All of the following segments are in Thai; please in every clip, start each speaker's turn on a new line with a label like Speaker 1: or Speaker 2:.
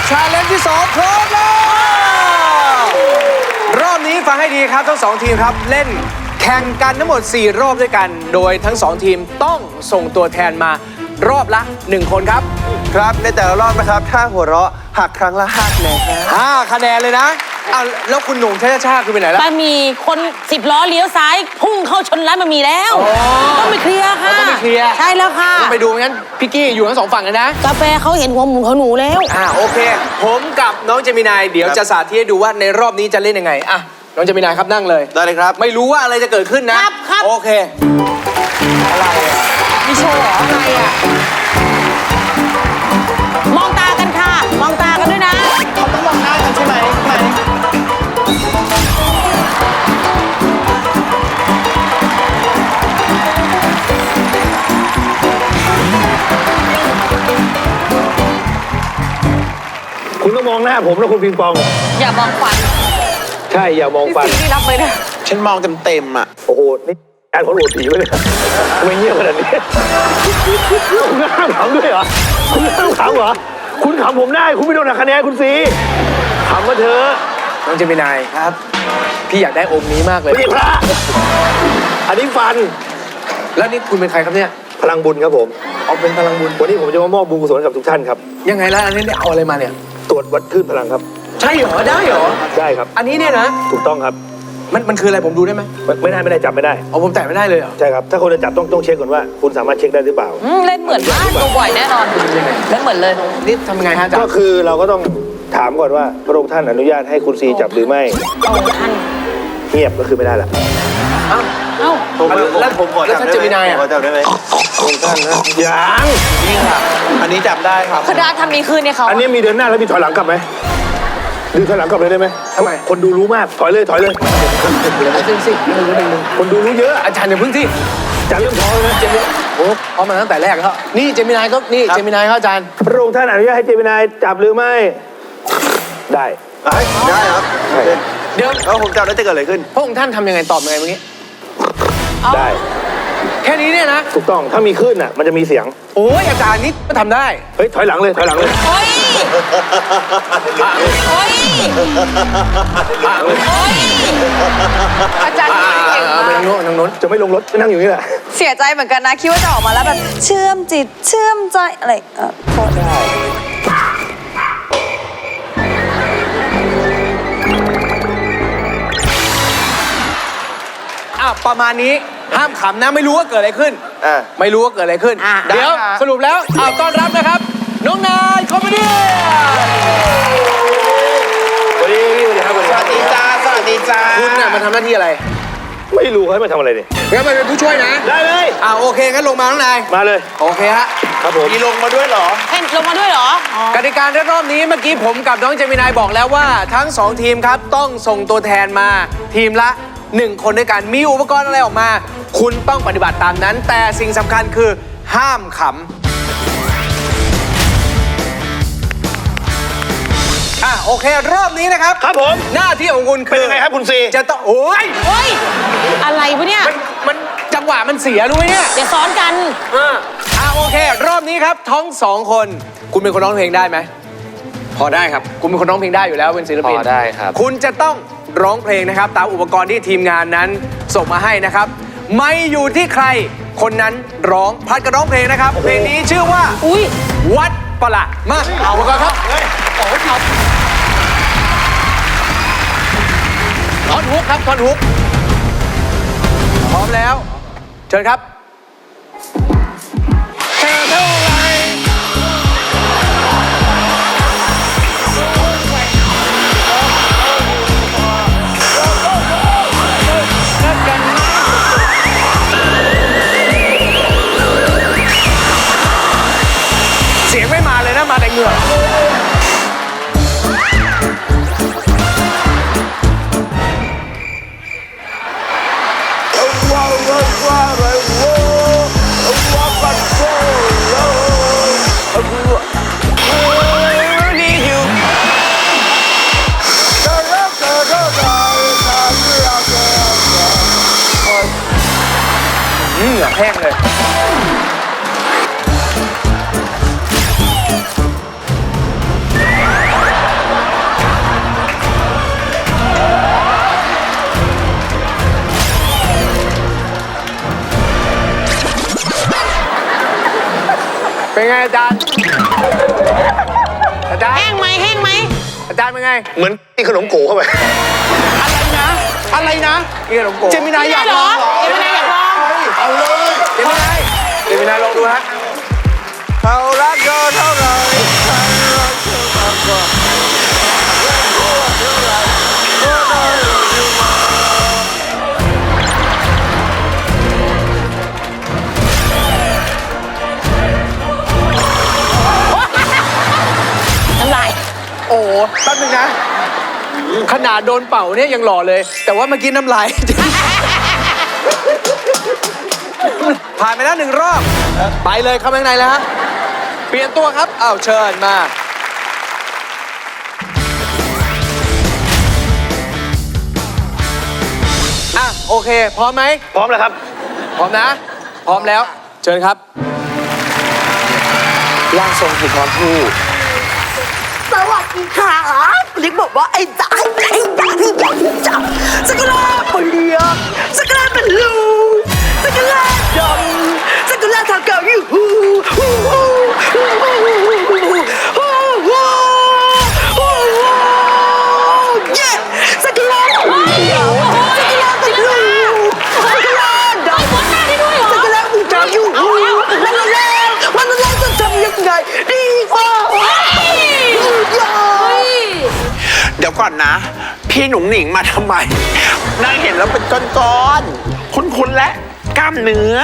Speaker 1: ชาเลนจ์ที่2พร้อมแล้วรอบนี้ฟังให้ดีครับทั้ง2ทีมครับเล่นแข่งกันทั้งหมด4รอบด้วยกันโดยทั้ง2ทีมต้องส่งตัวแทนมารอบละ1คนครับ
Speaker 2: ครับในแต่ละรอบนะครับถ้าหัวเราะหักครั้งละ5 คะแนน
Speaker 1: 5 คะแนนเลยนะอ้าวแล้วคุณหนุ่มชาคือไปไหนล่ะ
Speaker 3: บะหมี่คน10 ล้อเลี้ยวซ้ายพุ่งเข้าชนร้านบะหมี่แล้วต้องไปเคลียร์ค่ะ
Speaker 1: ต้องไปเคลียร์
Speaker 3: ใช่แล้วค่ะ
Speaker 1: ต้องไปดูงั้นพี่กี้อยู่ทั้ง2ฝั่งเลยนะ
Speaker 3: กาแฟเขาเห็นหัวหมูเขาหนูแล้ว
Speaker 1: โอเคผมกับน้องเจมินายเดี๋ยวจะสาธิตให้ดูว่าในรอบนี้จะเล่นยังไงน้องเจมินายครับนั่งเลย
Speaker 2: ได้เลยครับ
Speaker 1: ไม่รู้ว่าอะไรจะเกิดขึ้นนะครับโอเคอะไร
Speaker 3: มีโชว์เหรออะไรมองตากันค่ะมองตากันด้วยนะ
Speaker 2: เขาต้องมองหน้ากันใช่ไหม
Speaker 4: คุณต้องมองหน้าผมนะคุณปิงปอง
Speaker 3: อย่ามองฟัน
Speaker 4: ใช่อย่ามองฟัน
Speaker 3: ที่รับไปนะ
Speaker 2: ฉันมองเต็มอ่ะ
Speaker 4: โอ้โหนี่การเขาโหลดผีไว้เลยทำไมเงียบขนาดนี้คุณห้ามขำด้วยเหรอคุณห้ามขำเหรอคุณขำผมได้คุณไม่โดนหักคะแนนคุณสิขำมาเถอะ
Speaker 1: น้องเจมินายครับพี่อยากได้อมนี้มากเลย
Speaker 4: พี่พระอันนี้ฟัน
Speaker 1: แล้วนี่คุณเป็นใครครับเนี่ย
Speaker 4: พลังบุญครับผม
Speaker 1: เอาเป็นพลังบุญ
Speaker 4: วันนี้ผมจะมามอบบุญกุศลกับทุกท่านครับ
Speaker 1: ยังไงล่ะอันนี้เอาอะไรมาเนี่ย
Speaker 4: ตรวจวัดคลื่นพลังครับ
Speaker 1: ใช่เหรอได้เหรอ
Speaker 4: ได้ครับ
Speaker 1: อันนี้เนี่ยนะ
Speaker 4: ถูกต้องครับ
Speaker 1: มันคืออะไรผมดูได้ไหม
Speaker 4: ไม่ได้จับไม่ได้
Speaker 1: ผมแตะไม่ได้เลยเหรอ
Speaker 4: ใช่ครับถ้าคนจะจับต้องเช็คก่อนว่าคุณสามารถเช็คได้หรือเปล่า
Speaker 3: เล่นเหมือนมากดูบ่อยแน่นอนเล่นเหมือนเลย
Speaker 1: นี่ทำยังไงฮะ
Speaker 4: ก็คือเราก็ต้องถามก่อนว่าพระองค์ท่านอนุญาตให้คุณซีจับหรือไม่
Speaker 3: ท่าน
Speaker 4: เงียบก็คือไม่ได้ละ
Speaker 3: เอ้า
Speaker 1: แล้วผมขอแล้วถ้าเจมินาย
Speaker 2: ขอจับได้ไหม
Speaker 4: พระองค์ท่านนะ
Speaker 1: ยัง
Speaker 2: นี่ค่ะอันนี้จับได้ครับ
Speaker 3: คือได้ทำนี้คืนเนี่ยเขา
Speaker 4: อันนี้มีเดินหน้าแล้วมีถอยหลังกลับไหมดูถอยหลังกลับเลยได้ไหม
Speaker 1: ทำไม
Speaker 4: คนดูรู้มากถอยเลย
Speaker 1: สิ
Speaker 4: คนดูรู้เยอะ
Speaker 1: อาจารย์อย่าพึ่งที่
Speaker 4: อาจารย์เริ่มท้อเลยนะ
Speaker 1: เจมินายโอ้พร้อมมาตั้งแต่แรกแล้วนี่เจมินายก็นี่เจมินายเขาอาจารย์
Speaker 4: พระองค์ท่านอนุญาตให้เจมินายจับหรือไม่ได้
Speaker 2: ครับ
Speaker 1: เดี๋ยว
Speaker 2: ผมจับแล้วจะเกิดอะไรขึ้น
Speaker 1: พระองค์ท่านทำยังไงตอบยังไงเมื่อกี้
Speaker 4: ได้
Speaker 1: แค่นี้เนี่ยนะ
Speaker 4: ถูกต้องถ้ามีขึ้นอ่ะมันจะมีเสียง
Speaker 1: โอ้ยอาจารย์นี่ก็ทำได้
Speaker 4: เฮ้ยถอยหลังเลย
Speaker 3: โอ้ยอาจารย์เก่งมาก
Speaker 1: ไปทางโน้น
Speaker 4: จะไม่ลงรถไม่นั่งอยู่นี่แหละ
Speaker 3: เสียใจเหมือนกันนะคิดว่าจะออกมาแล้วแบบเชื่อมจิตเชื่อมใจอะไรโทษได้
Speaker 1: ประมาณนี้ห้ามขำนะไม่รู้ว่าเกิดอะไรขึ้นไม่รู้ว่าเกิดอะไรขึ้นเดี๋ยวสรุปแล้วต้อนรับนะครับน้องนายคอมเมดี้
Speaker 4: สวัสดีจ้า
Speaker 1: คุณน่ะมาทำหน้าที่อะไร
Speaker 4: ไม่รู้เขามาทำอะไรเนี่ย
Speaker 1: งั้นมาเป็นผู้ช่วยนะ
Speaker 4: ได้เลย
Speaker 1: โอเคงั้นลงมาน้องนาย
Speaker 4: มาเลย
Speaker 1: โอเคฮะ
Speaker 4: ครับผม
Speaker 2: มีลงมาด้วยเหรอ
Speaker 3: ลงมาด้วยเหร
Speaker 1: อกติการรอบนี้เมื่อกี้ผมกับน้องเจมินายบอกแล้วว่าทั้ง2ทีมครับต้องส่งตัวแทนมาทีมละ1 คนด้วยกันมีอุปกรณ์อะไรออกมาคุณต้องปฏิบัติตามนั้นแต่สิ่งสำคัญคือห้ามขำโอเครอบนี้นะครับ
Speaker 4: ครับผม
Speaker 1: หน้าที่ของคุณคือ
Speaker 4: เป็นยังไงครับคุณซี
Speaker 1: จะต้องโอ้ย
Speaker 3: อะไรวะเนี่ย
Speaker 1: มันจังหวะมันเสียรู้ไหมเนี่ย
Speaker 3: อย่าซ้อนกัน
Speaker 1: โอเครอบนี้ครับทั้ง2 คนคุณเป็นคนร้องเพลงได้ไหมพอได้ครับคุณเป็นคนร้องเพลงได้อยู่แล้วเป็นศิลปิน
Speaker 2: พอได้ครับ
Speaker 1: คุณจะต้องร้องเพลงนะครับตามอุปกรณ์ที่ทีมงานนั้นส่งมาให้นะครับไม่อยู่ที่ใครคนนั้นร้องพัดกันร้องเพลงนะครับเพลงนี้ชื่อว่าวัดประหลาดมาเอาอุปกรณ์ครับท่อนฮุกครับท่อนฮุกพร้อมแล้วเชิญครับเสียงไม่มาเลยนะมาแต่เหงื่อเหงื่อแห้งเลยเป็นไงอาจารย์อาจารย์
Speaker 5: แห้งไหมแห้งไหม
Speaker 1: อาจารย์เป็นไง
Speaker 4: เหมือนกินขนมโก๋เข้าไป
Speaker 2: อะไรนะ
Speaker 1: นี่ขนมโก
Speaker 2: เจมินายอยากลองเหรอ
Speaker 5: เจมินายอยากลอง
Speaker 2: เอาเลย
Speaker 1: เจมินายเจมินายลองดูฮะ
Speaker 2: เขารักเธอเท่าไหรฉันรักเธอมากกว่า
Speaker 5: น้ำลาย
Speaker 1: โอ้แป๊บนึงนะ ขนาดโดนเป่าเนี่ยยังหล่อเลย แต่ว่าเมื่อกี้น้ำลาย ผ่านไปแล้ว1 รอบ ไปเลยเข้าไปข้างในแล้วฮะ เปลี่ยนตัวครับ อ้าวเชิญมา อ่ะ โอเค พร้อมไหม
Speaker 4: พร้อมแล้วครับ
Speaker 1: พร้อมนะ พร้อมแล้ว เชิญครับ
Speaker 2: ร่างทรงคือความพูด
Speaker 3: สวัสดีค่ะลิกบอกว่าไอ้จ๋าสกุลาเปลี่ยนสกุลาเป็นลูสกุลาดำสกุลาทาเก่าอยู่เย้สกุลาเป็นลูสกุลาเป็นลูสกุลาดำสกุลาบูชาอยู่วันแล้วจะทำยังไงดีกว่า
Speaker 6: เดี๋ยวก่อนนะ พี่หนุ่งหนิงมาทำไมนางเห็นแล้วเป็นก้อนๆคุ้นๆและกล้ามเนื้อ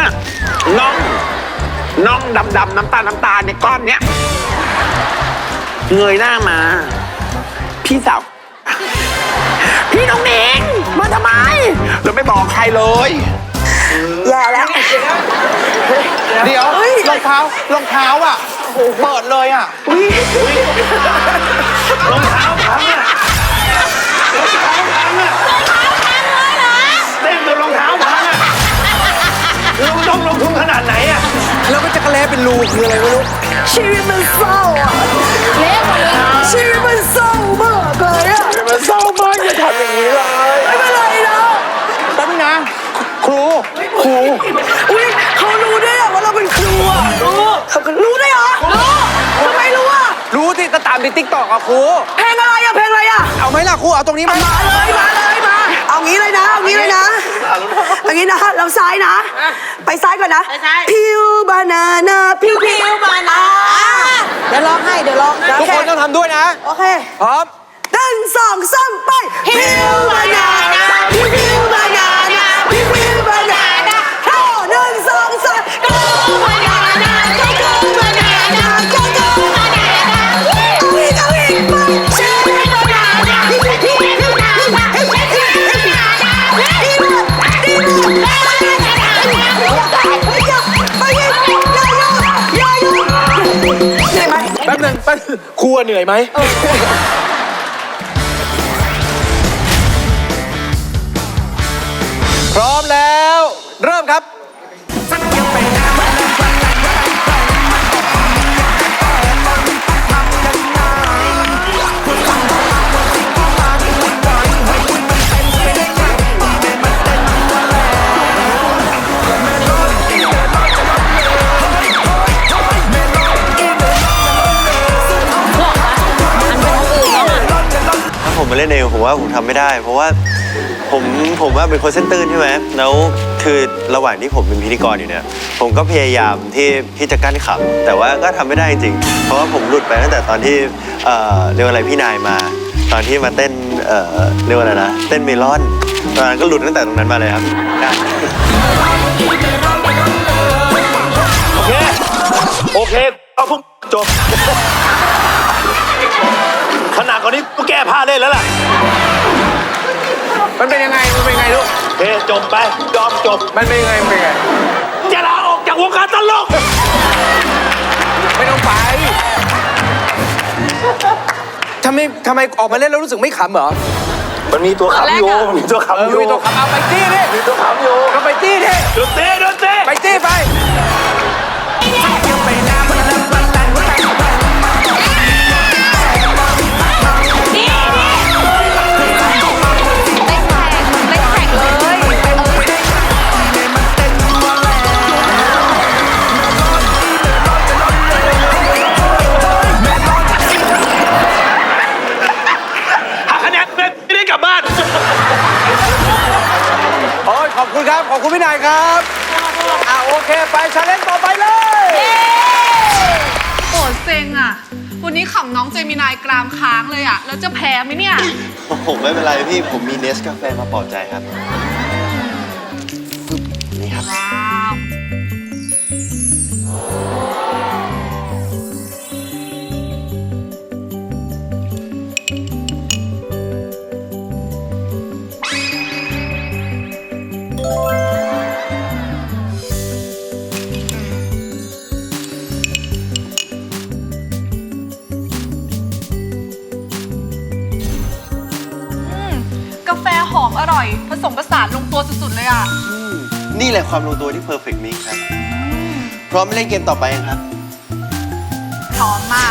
Speaker 6: น่องดำๆน้ำตาลในก้อนเนี้ยเงยหน้ามา พี่สาว พี่หนุ่งหนิงมาทำไมเราไม่บอกใครเลย
Speaker 3: แย่แล้ว
Speaker 2: เดี๋ยวรองเท้าอ่ะเปิดเลยอ่ะ
Speaker 4: รองเท้าพังอะเต้นจนรองเท้าพังอะเราต้องลงทุนขนาดไหนอะ
Speaker 1: แล้วก็จะกระแลเป็นรูคืออะไรไม่รู้
Speaker 3: ชีวิตมันเศร้าอ่ะ
Speaker 5: เละหมดเลย
Speaker 3: ชีวิตมันเศร้ามากเลยอ่ะ
Speaker 2: มันเศร้ามากอย่าทำอย่างนี้เลย
Speaker 3: ไม่เป็นไรนะ
Speaker 2: แป๊บนึงนะ ครู
Speaker 3: อุ้ยเขารู้ได้เหรอว่าเราเป็นครูอ่ะเขารู้ได้เหรอรู้ทำไมรู้อ่ะ
Speaker 1: รู้ที่ก็ตามในติ๊กต็อกอะครู
Speaker 3: เพลงอะไรอ่ะเพลงอะไรอ่ะ
Speaker 1: เอาไหมล่ะครู เอาตรงนี้ไหม
Speaker 3: มาเลยเอางี้เลยนะเอางี้นะเราซ้ายนะ ไปซ้ายก่อนนะพิวบานาน่าพิวบานาเดี๋ยวร้องให้เดี๋ยวร้อง
Speaker 1: ทุกคนต้องทำด้วยนะ
Speaker 3: โอเค
Speaker 1: พร้อม
Speaker 3: 1 2 3ไปพิวบานาน่าพิวบานาน่าพิวบานาน่า1 2 3 go บานาน่า go บานาน่า go บานาน่าเอาอีกไปชิวบานาน่าพิวบานาน่าพิวบานาน่าพิวบานาน่า
Speaker 1: แป๊บนึงครูอะเหนื่อยไหม พร้อมแล้ว เริ่มครับ
Speaker 7: ถ้าผมมาเล่นเองผมว่าผมทำไม่ได้ เพราะว่าผมว่าเป็นคนเส้นตื้นใช่ไหมแล้วคือระหว่างที่ผมเป็นพิธีกรอยู่เนี่ยผมก็พยายามที่จะกั้นขำแต่ว่าก็ทำไม่ได้จริงๆเพราะว่าผมหลุดไปตั้งแต่ตอนที่เรียกว่าอะไรพี่นายมา ตอนที่มาเต้นเรียกว่าอะไรนะเต้นเมลอนตอนนั้นก็หลุดตั้งแต่ตรงนั้นมาเลยครับ
Speaker 4: โอเคเอาพวกจบ ขนาดกว่านี้ก็แก้ผ้าเล่นแล้วล่ะ
Speaker 1: มันเป็นยังไงลูก
Speaker 4: โอเคจบไปยอมจบ
Speaker 1: มันเป็นยังไง
Speaker 4: จะลาออกจากวงการตลก
Speaker 1: ไม่ต้องไปทำไมออกมาเล่นแล้วรู้สึกไม่ขำเหรอ
Speaker 4: มันมีตัวขำอยู่มันมีตัวขำอยู่
Speaker 1: มีตัวขำเอาไปจี้ดิ
Speaker 4: มีตัวขำอยู่
Speaker 1: ก็ไปจี้ดิ
Speaker 4: ดนตรี
Speaker 1: ไปจี้ไป
Speaker 3: เ
Speaker 1: คุณพี่นายครับโอเคไปชาเลนจ์ต่อไปเลย
Speaker 8: โอ้เซ็งอ่ะ วันนี้ขำน้องเจมินายกรามค้างเลยอ่ะ แล้วจะแพ้ไหมเนี่ย
Speaker 7: ผมไม่เป็นไรพี่ ผมมีเนสกาแฟมาปลอบใจครับฟึบนี่ครับ
Speaker 8: ว้าว กาแฟหอมอร่อย ผสมผสานลงตัวสุดๆเลยอ่ะ
Speaker 7: นี่แหละความลงตัวที่ perfect mix ครับ พร้อมเล่นเกมต่อไปยังครับ
Speaker 8: พร้อมมาก